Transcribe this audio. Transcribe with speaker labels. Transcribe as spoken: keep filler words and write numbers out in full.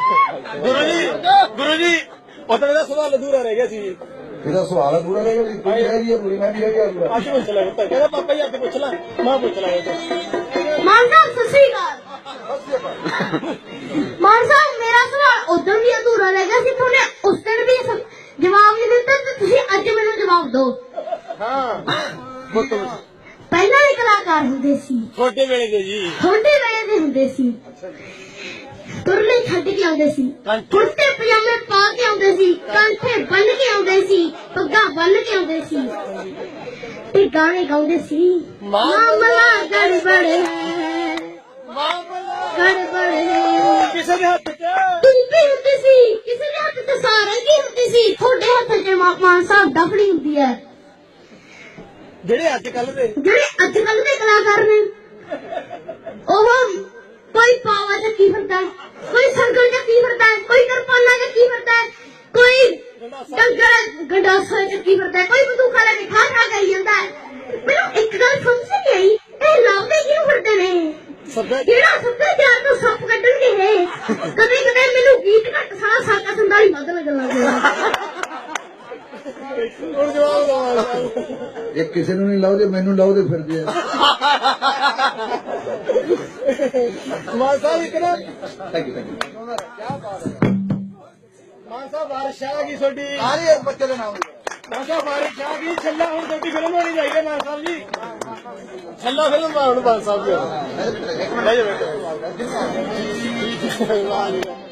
Speaker 1: ਗੁਰੂ ਜੀ ਗੁਰੂ ਜੀ ਉਦੋਂ ਦਾ ਸਵਾਲ ਅਧੂਰਾ ਰਹਿ ਗਿਆ ਸੀ ਜੀ।
Speaker 2: ਇਹਦਾ ਸਵਾਲ ਅਧੂਰਾ ਰਹਿ ਗਿਆ ਸੀ। ਕੋਈ ਹੈਗੀ ਹੈ ਪੂਰੀ, ਮੈਂ ਵੀ ਹੈਗੀ ਅਧੂਰਾ।
Speaker 1: ਅੱਜ ਪੁੱਛ ਲੈ ਪੁੱਤ, ਕਹਿੰਦਾ ਪਾਪਾ ਜੀ ਅੱਜ ਪੁੱਛ ਲੈ, ਮੈਂ ਪੁੱਛ ਲਾਂਗਾ।
Speaker 3: ਮਾਨ ਸਾਹਿਬ ਸਤਿ ਸ੍ਰੀ ਅਕਾਲ। ਮਾਨ ਸਾਹਿਬ ਮੇਰਾ ਸਵਾਲ ਉਦੋਂ ਵੀ ਅਧੂਰਾ ਰਹਿ ਗਿਆ ਸੀ, ਤੁਹਾਨੇ ਉਸ ਦਿਨ ਵੀ ਜਵਾਬ ਨਹੀਂ ਦਿੱਤਾ ਤੇ ਤੁਸੀਂ ਅੱਜ ਮੈਨੂੰ ਜਵਾਬ ਦਿਓ।
Speaker 1: ਹਾਂ ਪੁੱਤ
Speaker 3: ਪਹਿਲਾਂ ਵੀ ਕਲਾਕਾਰ ਹੁੰਦੇ ਸੀ,
Speaker 1: ਛੋਟੇ ਵੇਲੇ ਦੇ ਜੀ,
Speaker 3: ਛੋਟੇ ਵੇਲੇ ਦੇ ਹੁੰਦੇ ਸੀ, ਤੁਰਲੇ ਛੱਡ ਕੇ ਆਉਂਦੇ ਸੀ, ਕੁੜਤੇ ਪਜਾਮੇ ਪਾ ਕੇ ਆਉਂਦੇ ਸੀ, ਕਾਂਠੇ ਬੰਨ ਕੇ ਆਉਂਦੇ ਸੀ, ਪੱਗਾਂ ਬੰਨ ਕੇ ਆਉਂਦੇ ਸੀ ਤੇ ਗਾਣੇ ਗਾਉਂਦੇ ਸੀ। ਮਾਮਲਾ ਗੜਬੜ ਹੈ, ਗੜਬੜ ਹੈ।
Speaker 1: ਕਿਸੇ ਦੇ ਹੱਥ ਚ
Speaker 3: ਤੁੰਬੀ ਹੁੰਦੀ ਸੀ, ਕਿਸੇ ਦੇ ਹੱਥ ਤੇ ਸਾਰੰਗੀ ਹੁੰਦੀ ਸੀ, ਤੁਹਾਡੇ ਹੱਥ ਚ ਮਾਨ ਸਾਹਿਬ ਡਫੜੀ ਹੁੰਦੀ ਹੈ।
Speaker 1: ਜਿਹੜੇ ਅੱਜ ਕੱਲ ਦੇ
Speaker 3: ਜਿਹੜੇ ਅੱਜ ਕੱਲ ਦੇ ਕਲਾਕਾਰ ਨੇ ਉਹ ਕੋਈ ਪਾਵਾ ਚੱਕੀ ਫਿਰਦਾ, ਕੋਈ ਸੰਗਲ ਚੱਕੀ ਫਿਰਦਾ, ਕੋਈ ਕਿਰਪਾਨਾਂ ਚੱਕੀ ਫਿਰਦਾ, ਕੋਈ ਡੰਗਰ ਗੰਡਾਸਾ ਚੱਕੀ ਫਿਰਦਾ, ਕੋਈ ਬੰਦੂਕਾਂ ਲੈ ਕੇ ਖਾ ਖਾ ਕਰੀ ਜਾਂਦਾ। ਮੈਨੂੰ ਇੱਕ ਗੱਲ ਸਮਝ ਨਹੀਂ ਆਈ, ਇਹ ਲਾਉਂਦੇ ਕਿਉਂ ਫਿਰਦੇ ਨੇ? ਜਿਹੜਾ ਸੱਭਿਆਚਾਰ ਤੋਂ ਸੱਪ ਕੱਢਣਗੇ ਇਹ। ਕਦੇ ਕਦੇ ਮੈਨੂੰ ਗੀਤ ਘੱਟ ਸਾਰਾ ਸਾਕਾ ਸੰਦਾਲੀ ਵੱਧ ਲੱਗਣ ਲੱਗ ਗਿਆ।
Speaker 1: ਹੁਣ ਜਵਾਬ ਦਵਾ
Speaker 2: ਇਹ ਕਿਸੇ ਨੂੰ ਨਹੀਂ ਲਾਉਦੇ, ਮੈਨੂੰ ਲਾਉਦੇ ਫਿਰਦੇ ਆ।
Speaker 1: ਮਾਨ ਸਾਹਿਬ ਇੱਕ ਨਾ
Speaker 2: thank you thank you.
Speaker 1: Mann Sahib ਬਾਰਿਸ਼ ਆ ਗਈ ਤੁਹਾਡੀ,
Speaker 2: ਸਾਰੇ ਬੱਚੇ ਦੇ ਨਾਮ
Speaker 1: ਮਾਨ ਸਾਹਿਬ ਬਾਰਿਸ਼ ਆ ਗਈ। ਛੱਲਾ ਹੁਣ ਤੁਹਾਡੀ ਫਿਲਮ ਹੋਣੀ ਚਾਹੀਦੀ ਮਾਨ ਸਾਹਿਬ ਜੀ, ਛੱਲਾ ਫਿਲਮ ਹੁਣ ਮਾਨ ਸਾਹਿਬ ਜੀ।